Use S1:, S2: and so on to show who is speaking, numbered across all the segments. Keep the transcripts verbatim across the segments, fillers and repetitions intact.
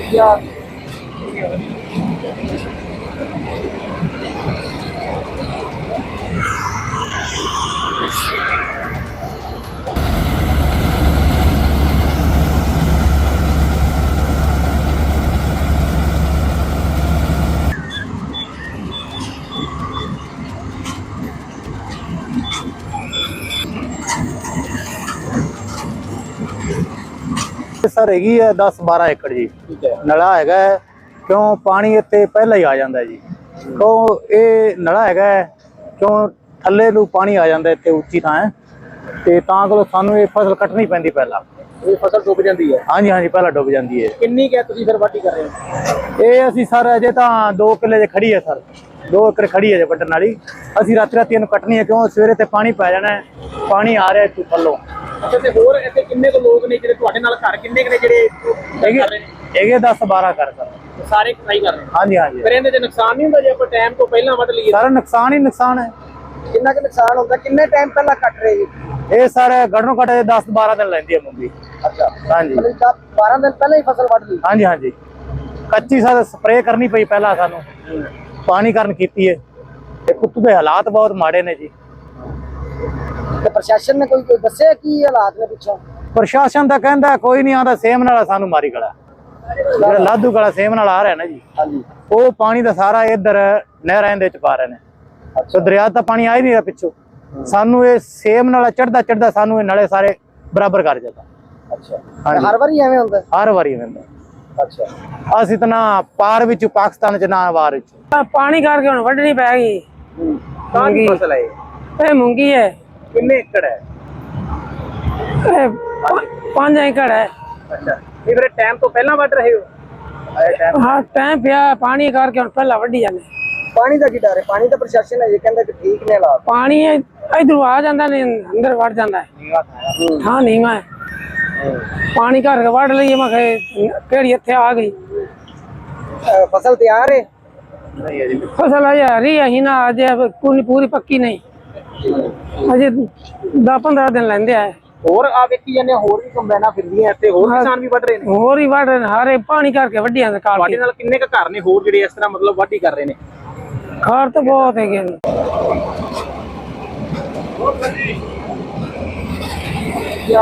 S1: या
S2: सर हैगी है दस बारह एकड़ जी।
S1: ठीक है।
S2: नला हैगा है, क्यों पानी इत्थे पहला ही आ जाता है जी। क्यों ये नला हैगा है, क्यों थल्ले नूं पानी आ जाता इत्थे उच्ची थां ते तां कोल सानूं ये फसल कटनी पैंदी पहला।
S1: ये फसल डुब जाती है।
S2: हाँ जी हाँ जी, पहला डुब जाती है।
S1: किन्नी क्या तुसीं फिर वाढी कर रहे हो?
S2: ये असीं सर अजे तां दो किले च खड़ी है सर, दो एकड़ खड़ी है जे वड्डण वाली। असीं राती राती इहनूं कटनी है, क्यों सवेरे ते पानी पै जाना है, पानी आ रहा इत्थों थल्लों।
S1: अच्छा, ते होर इत्थे किन्ने को लोग ने जिहड़े तुहाडे नाल घर किन्ने के ने जिहड़े कर रहे ने?
S2: हैगे दस बारह कर सर।
S1: सारे कटाई कर रहे हैं?
S2: हाँ जी हाँ जी।
S1: फिर इहदे च नुकसान नहीं हुंदा जे ਆਪਾਂ टाइम ਤੋਂ ਪਹਿਲਾਂ ਵੱਢ ਲਈਏ?
S2: सारा नुकसान ही नुकसान है।
S1: किन्ना के नुकसान होता? किन्ने टाइम पहला कट रहे जी?
S2: ये सर घड़ों घट दस बारह दिन लेंदी है मूंगी।
S1: अच्छा,
S2: हाँ जी
S1: मतलब बारह दिन पहले ही फसल ਵੱਢ ਲਈ?
S2: हाँ जी हाँ जी। कच्ची सर स्प्रे करनी पई पहला सानू, पानी करन कीती है ते कुत्तू दे हालात बहुत माड़े ने जी।
S1: ਤੇ ਪ੍ਰਸ਼ਾਸਨ ਨੇ ਕੋਈ ਕੋਈ ਦੱਸਿਆ ਕੀ ਹਾਲਾਤ ਨੇ ਪਿੱਛੋਂ?
S2: प्रशासन ਤਾਂ ਕਹਿੰਦਾ ਕੋਈ ਨਹੀਂ ਆਂਦਾ, ਸੇਮ ਨਾਲਾ ਸਾਨੂੰ ਮਾਰੀ ਗਲਾ ਜਿਹੜਾ ਲਾਧੂ ਗਲਾ ਸੇਮ ਨਾਲ ਆ ਰਿਹਾ ਨਾ ਜੀ।
S1: ਹਾਂਜੀ।
S2: ਉਹ ਪਾਣੀ ਦਾ ਸਾਰਾ ਇੱਧਰ ਨਹਿਰਾਂ ਦੇ ਚ ਪਾ ਰਹੇ ਨੇ। ਸੋ ਦਰਿਆ ਦਾ ਪਾਣੀ ਆ ਹੀ ਨਹੀਂ ਰਿਹਾ ਪਿੱਛੋਂ, ਸਾਨੂੰ ਇਹ ਸੇਮ ਨਾਲਾ ਚੜਦਾ ਚੜਦਾ ਸਾਨੂੰ ਇਹ ਨਾਲੇ ਸਾਰੇ ਬਰਾਬਰ ਕਰ ਜਾਂਦਾ।
S1: ਅੱਛਾ, ਹਰ ਵਾਰੀ ਐਵੇਂ ਹੁੰਦਾ?
S2: ਹਰ ਵਾਰੀ ਹੁੰਦਾ।
S1: ਅੱਛਾ,
S2: ਅਸੀਂ ਤਾਂ ਨਾ ਪਾਰ ਵਿੱਚ ਪਾਕਿਸਤਾਨ ਚ ਨਾ ਵਾਰ ਵਿੱਚ
S3: पानी करके हुण वड्ढनी पै गई।
S1: ਕਾਹਦੀ ਫਸਲ ਹੈ ਇਹ?
S3: ये मूंगी है।
S1: ਕਿੰਨੇ ਏਕੜ ਹੈ?
S3: ये पांच एकड़ है।
S1: ਅੱਛਾ, ਇਹ ਫਿਰ ਟਾਈਮ ਤੋਂ ਪਹਿਲਾਂ ਵੱਢ ਰਹੇ ਹੋ? ਆਇਆ ਟਾਈਮ?
S3: हाँ टाइम पिया पानी करके हुण पहला वड्ढी जाने।
S1: ਪਾਣੀ ਦਾ ਕੀ ਡਰ ਹੈ? ਪਾਣੀ ਦਾ ਪ੍ਰਸ਼ਾਸਨ ਹੈ ਇਹ ਕਹਿੰਦਾ ਕਿ ਠੀਕ ਨੇ ਹਾਲਾਤ।
S3: पानी इधरों आ जाता ने अंदर वड़ जाता है। हाँ नहीं मैं पानी करके वड्ढ लईए, मैं केड़ी इत्थे आ गई।
S1: ਅਹ ਫਸਲ ਤਿਆਰ ਹੈ?
S2: नहीं है जी।
S3: फसल अजे हरी ही ना, अजे पूरी पूरी पक्की नहीं, अजे दस पंद्रह दिन लेंदे आए।
S1: ਹੋਰ ਆ ਵੇਖੀ ਜਾਂਦੇ ਹੋਰ ਵੀ ਕੰਬਾਈਨਾਂ ਫਿਰਦੀਆਂ ਇੱਥੇ, ਹੋਰ ਕਿਸਾਨ ਵੀ ਵੱਢ ਰਹੇ ਨੇ?
S3: होर ही वड्ढ रहे ने, हारे पानी करके वड्ढी जांदे।
S1: ਤੁਹਾਡੇ ਨਾਲ ਕਿੰਨੇ ਕ ਘਰ ने ਹੋਰ ਜਿਹੜੇ ਇਸ ਤਰ੍ਹਾਂ ਮਤਲਬ ਵਾਢੀ ਕਰ ਰਹੇ ਨੇ?
S3: घर तो बहुत है।
S1: या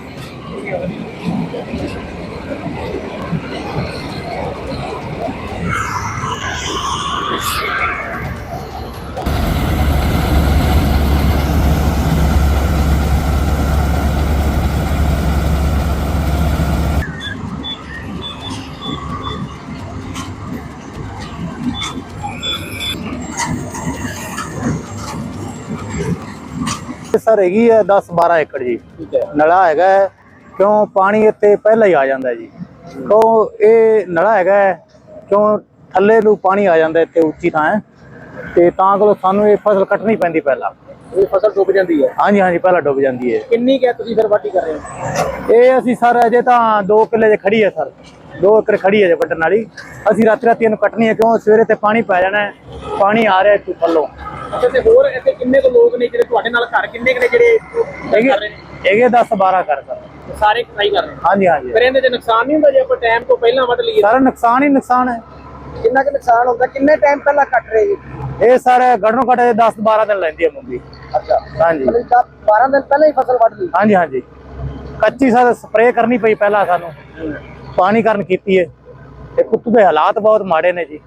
S2: सर हैगी है दस बारह एकड़ जी।
S1: ठीक है।
S2: नला हैगा है, क्यों पानी इत्थे पहला ही आ जाता है जी। क्यों ये नला हैगा है, क्यों थल्ले नूं पानी आ जाता इत्थे उच्ची थां ते तां कोल सानू ये फसल कटनी पैंदी पहला।
S1: ਇਹ ਫਸਲ ਡੁੱਬ ਜਾਂਦੀ ਹੈ?
S2: हाँ जी हाँ जी, पहला डुब जाती है।
S1: ਕਿੰਨੀ ਕਿਆ ਤੁਸੀਂ ਫਿਰ ਵਾਢੀ ਕਰ ਰਹੇ ਹੋ?
S2: ये असीं सर अजे तां दो किले च खड़ी है सर, दो एकड़ खड़ी है जे वड्डण वाली। असीं राती राती इहनूं कटनी है, क्यों सवेरे ते पानी पै जाना है, पानी आ रहा इत्थों थल्लों।
S1: ਅੱਛਾ, ਤੇ ਹੋਰ ਇੱਥੇ ਕਿੰਨੇ ਕੁ ਲੋਕ ਨੇ ਜਿਹੜੇ ਤੁਹਾਡੇ ਨਾਲ ਘਰ ਕਿੰਨੇ ਕੁ ਨੇ ਜਿਹੜੇ ਕਰ ਰਹੇ ਨੇ?
S2: हैगे दस बारह कर सर।
S1: ਸਾਰੇ ਕਟਾਈ ਕਰ ਰਹੇ ਨੇ?
S2: हाँ जी हाँ जी।
S1: ਫਿਰ ਇਹਦੇ ਚ ਨੁਕਸਾਨ ਨਹੀਂ ਹੁੰਦਾ ਜੇ ਆਪਾਂ ਟਾਈਮ ਤੋਂ ਪਹਿਲਾਂ ਵੱਢ ਲਈਏ?
S2: सारा नुकसान ही नुकसान है।
S1: ਕਿੰਨਾ ਕੁ ਨੁਕਸਾਨ ਹੁੰਦਾ? ਕਿੰਨੇ ਟਾਈਮ ਪਹਿਲਾਂ ਕੱਟ ਰਹੇ ਜੀ?
S2: ये सर घड़ों घट दस बारह दिन लेंदी है मूंगी।
S1: ਅੱਛਾ,
S2: हाँ जी
S1: मतलब बारह दिन ਪਹਿਲਾਂ ਹੀ ਫਸਲ ਵੱਢ ਲਈ?
S2: हाँ जी हाँ जी। कच्ची सर स्प्रे करनी पई पहला सानू, पानी करन कीती है ते कुत्तू दे हालात बहुत माड़े ने जी।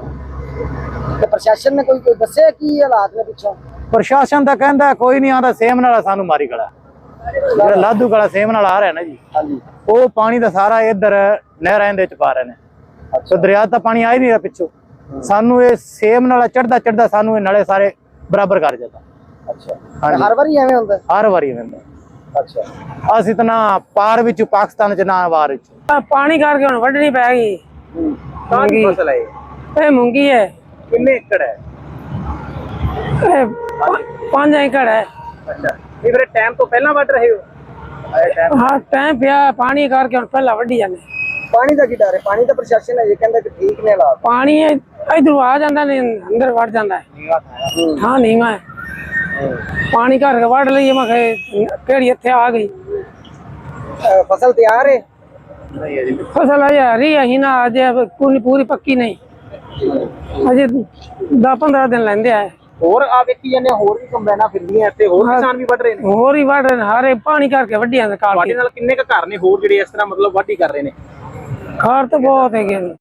S1: ਤੇ ਪ੍ਰਸ਼ਾਸਨ ਨੇ ਕੋਈ ਕੋਈ ਦੱਸਿਆ ਕੀ ਹਾਲਾਤ ਨੇ ਪਿੱਛੋਂ?
S2: प्रशासन ਤਾਂ ਕਹਿੰਦਾ ਕੋਈ ਨਹੀਂ ਆਂਦਾ, ਸੇਮ ਨਾਲ ਸਾਨੂੰ ਮਾਰੀ ਗਲਾ ਜਿਹੜਾ ਲਾਧੂ ਗਲਾ ਸੇਮ ਨਾਲ ਆ ਰਿਹਾ ਨਾ ਜੀ।
S1: ਹਾਂਜੀ।
S2: ਉਹ ਪਾਣੀ ਦਾ ਸਾਰਾ ਇੱਧਰ ਨਹਿਰਾਂ ਦੇ ਚ ਪਾ ਰਹੇ ਨੇ। ਸੋ ਦਰਿਆ ਦਾ ਪਾਣੀ ਆ ਹੀ ਨਹੀਂ ਰਿਹਾ ਪਿੱਛੋਂ, ਸਾਨੂੰ ਇਹ ਸੇਮ ਨਾਲ ਚੜਦਾ ਚੜਦਾ ਸਾਨੂੰ ਇਹ ਨਾਲੇ ਸਾਰੇ ਬਰਾਬਰ ਕਰ ਜਾਂਦਾ।
S1: ਅੱਛਾ,
S2: ਹਾਂਜੀ।
S1: ਹਰ ਵਾਰੀ ਐਵੇਂ ਹੁੰਦਾ?
S2: ਹਰ ਵਾਰੀ ਹੁੰਦਾ।
S1: ਅੱਛਾ,
S2: ਅਸੀਂ ਤਾਂ ਨਾ ਪਾਰ ਵਿੱਚ ਪਾਕਿਸਤਾਨ ਚ ਨਾ ਵਾਰ ਵਿੱਚ
S3: पानी करके हुण वड्ढनी पै गई।
S1: ਕਾਹਦੀ ਫਸਲ ਹੈ ਇਹ?
S3: ये मूंगी है।
S1: ਕਿੰਨੇ ਏਕੜ ਹੈ?
S3: ये पांच एकड़ है।
S1: ਅੱਛਾ, ਇਹ ਫਿਰ ਟਾਈਮ ਤੋਂ ਪਹਿਲਾਂ ਵੱਢ ਰਹੇ ਹੋ? ਆਇਆ ਟਾਈਮ?
S3: हाँ टाइम पिया पानी करके हुण पहला वड्ढी जाने।
S1: ਪਾਣੀ ਦਾ ਕੀ ਡਰ ਹੈ? ਪਾਣੀ ਦਾ ਪ੍ਰਸ਼ਾਸਨ ਹੈ ਇਹ ਕਹਿੰਦਾ ਕਿ ਠੀਕ ਨੇ ਹਾਲਾਤ।
S3: पानी इधरों आ जाता ने अंदर वड़ जाता है। हाँ नहीं मैं पानी करके वड्ढ लईए, मैं केड़ी इत्थे आ गई।
S1: ਅਹ ਫਸਲ ਤਿਆਰ ਹੈ?
S2: ਨਹੀਂ ਹੈ ਜੀ।
S3: ਫਸਲ ਅਜੇ ਹਰੀ ਹੈ ਹੀ ਨਾ, ਅਜੇ ਪੂਰੀ ਪੂਰੀ ਪੱਕੀ ਨਹੀਂ, ਅਜੇ ਦਸ ਪੰਦਰਾਂ ਦਿਨ ਲੈਂਦੇ ਆ।
S1: ਹੋਰ ਆ ਵੇਖੀ ਜਾਂਦੇ ਹੋਰ ਵੀ ਕੰਬਾਈਨਾਂ ਫਿਰਦੀਆਂ ਇੱਥੇ, ਹੋਰ ਕਿਸਾਨ ਵੀ ਵੱਢ ਰਹੇ ਨੇ।
S3: ਹੋਰ ਹੀ ਵੱਢ ਰਹੇ ਨੇ, ਹਾਰੇ ਪਾਣੀ ਕਰਕੇ ਵੱਢੀਆਂ ਨੇ ਕਾਲ
S1: ਤੁਹਾਡੇ ਨਾਲ ਕਿੰਨੇ ਕੁ ਘਰ ਨੇ ਹੋਰ ਜਿਹੜੇ ਇਸ ਤਰ੍ਹਾਂ ਮਤਲਬ ਵਾਢੀ ਕਰ ਰਹੇ ਨੇ?
S3: ਖਾਰ ਤਾਂ ਬਹੁਤ ਹੈਗੇ ਨੇ।